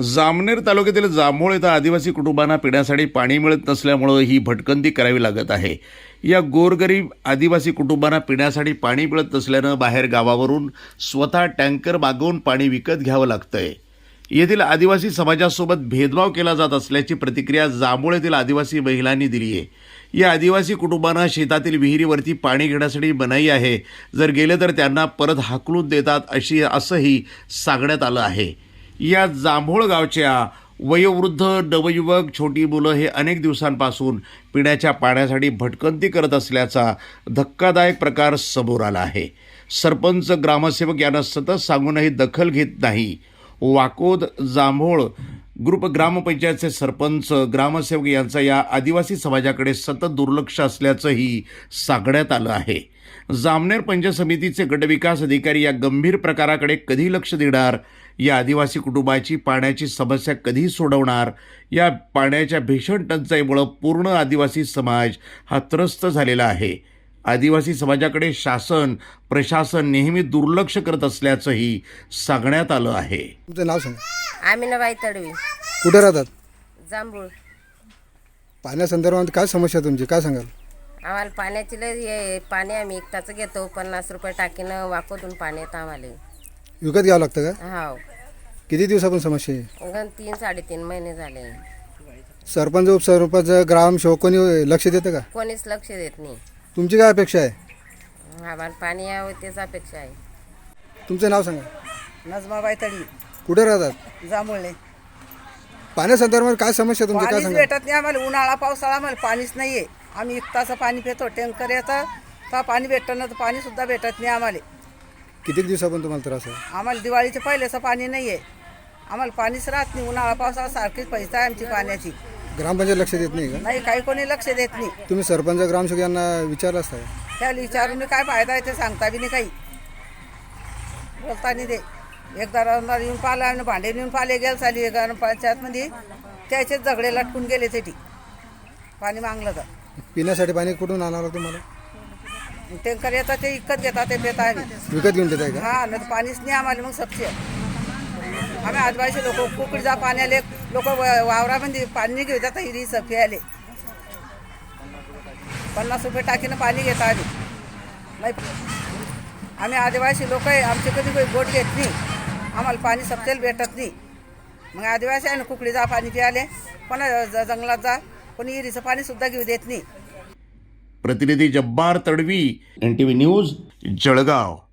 जामनेर तालुक्यातील जांभूळ येथे आदिवासी कुटुंबांना पिण्यासाठी पाणी मिळत नसल्यामुळे ही भटकंती करावी लागत आहे। या गोरगरीब आदिवासी कुटुंबांना पिण्यासाठी पाणी मिळत नसल्याने बाहेर गावावरून स्वतः टँकर मागवून पाणी विकत घ्यावं लागतंय। येथील आदिवासी समाजासोबत भेदभाव केला जात असल्याची प्रतिक्रिया जांभूळ येथील आदिवासी महिलांनी दिली आहे। या आदिवासी कुटुंबांना शेतातील विहिरीवरती पाणी घेण्यासाठी मनाई आहे, जर गेले तर त्यांना परत हाकलून देतात असंही सांगण्यात आलं आहे। या जांभूळ गावच्या वयोवृद्ध, नवयुवक, छोटी मुलं हे अनेक दिवसांपासून पिण्याच्या पाण्यासाठी भटकंती करत असल्याचा धक्कादायक प्रकार समोर आला आहे। सरपंच, ग्रामसेवक यांना सतत सांगूनही दखल घेत नाही। वाकोद जांभूळ ग्रुप ग्रामपंचायतचे सरपंच, ग्रामसेवक यांचा या आदिवासी समाजाकडे सतत दुर्लक्ष असल्याचंही सांगण्यात आलं आहे। जामनेर पंचायत समितीचे गटविकास अधिकारी या गंभीर प्रकाराकडे कधी लक्ष देणार? या आदिवासी कुटुंबाची पाण्याची समस्या कधी सोडवणार? या पाण्याच्या भीषण टंचाईमुळे पूर्ण आदिवासी समाज हा त्रस्त झालेला आहे। आदिवासी समाजाकडे शासन, प्रशासन नेहमी दुर्लक्ष करत असल्याचंही सांगण्यात आलं आहे। तुमचं नाव सांगा। आमिनाबाई तडवी, कुठे राहतात? जांभूळ। पाण्यासंदर्भात काय समस्या तुमची, काय सांगाल? आम्हाला पाण्याची लय पाणी आम्ही एकटाचं घेतो, 50 रुपये टाकीनं वाकोतून पाणी येतं आम्हाला। विकत घ्यावं लागतं का? हाव, किती दिवसापासून समस्या आहे? 3-3.5 महिने झाले। सरपंच, उपसरपंच, ग्रामसेवक कोणी लक्ष देतं का? कोणीच लक्ष देत नाही। तुमची काय अपेक्षा आहे? आम्हाला पाणी यावं तेच अपेक्षा आहे। तुमचं नाव सांगा। नजमाबाई तडवी, कुठे राहतात? जांभूळले। पाण्यासंदर्भात काय समस्या तुमची, काय पाणीच सांगा? भेटत नाही आम्हाला, उन्हाळा पावसाळा आम्हाला पाणीच नाहीये। आम्ही 1 तास पाणी पितो, टँकर येतं तर पाणी भेटतं ना, तर पाणी सुद्धा भेटत नाही आम्हाला। किती दिवसापासून तुम्हाला त्रास आहे? आम्हाला दिवाळीचे पहिलेचं पाणी नाहीये, आम्हाला पाणीच राहत नाही। उन्हाळा पावसाळा सारखीच पैसा आहे आमची पाण्याची। ग्रामपंचायत लक्ष देत नाही का? नाही, काही कोणी लक्ष देत नाही। तुम्ही सरपंच, ग्रामसेवक यांना विचारलं असतं का? त्याला विचारून मी काय फायदा आहे ते सांगता बी नाही, काही बोलता नाही ते। एकदा रविवार येऊन पाहिलं आम्ही, भांडे नेऊन पाहिले गेल चाली ग्रामपंचायतमध्ये, त्याचे झगडे लटकून गेले तेठी पाणी मागलं तर। पिण्यासाठी पाणी कुठून आणावं तुम्हाला? टँकर येतात ते विकत घेतात, ते पेता आम्ही। विकत घेऊन देताय का? हा, नाही पाणीच नाही आम्हाला मग सबसे। आम्ही आदिवासी लोक कुकडीचा पाणी आले, लोक वावरामध्ये पाणी घेऊ जातात, हिरी सफी आले 50 रुपये टाकीनं पाणी घेता आम्ही। नाही, आम्ही आदिवासी लोक आहे, आमचे कधी काही बोट घेत नाही, आम्हाला पाणी सबसेल भेटत नाही। मग आदिवासी आहे ना, कुकडीचा पाणी प्याले, कोणा जंगलात जा, कोणी हिरीचं पाणी सुद्धा घेऊ देत नाही। प्रतिनिधी जब्बार तडवी, NTV न्यूज, जळगाव।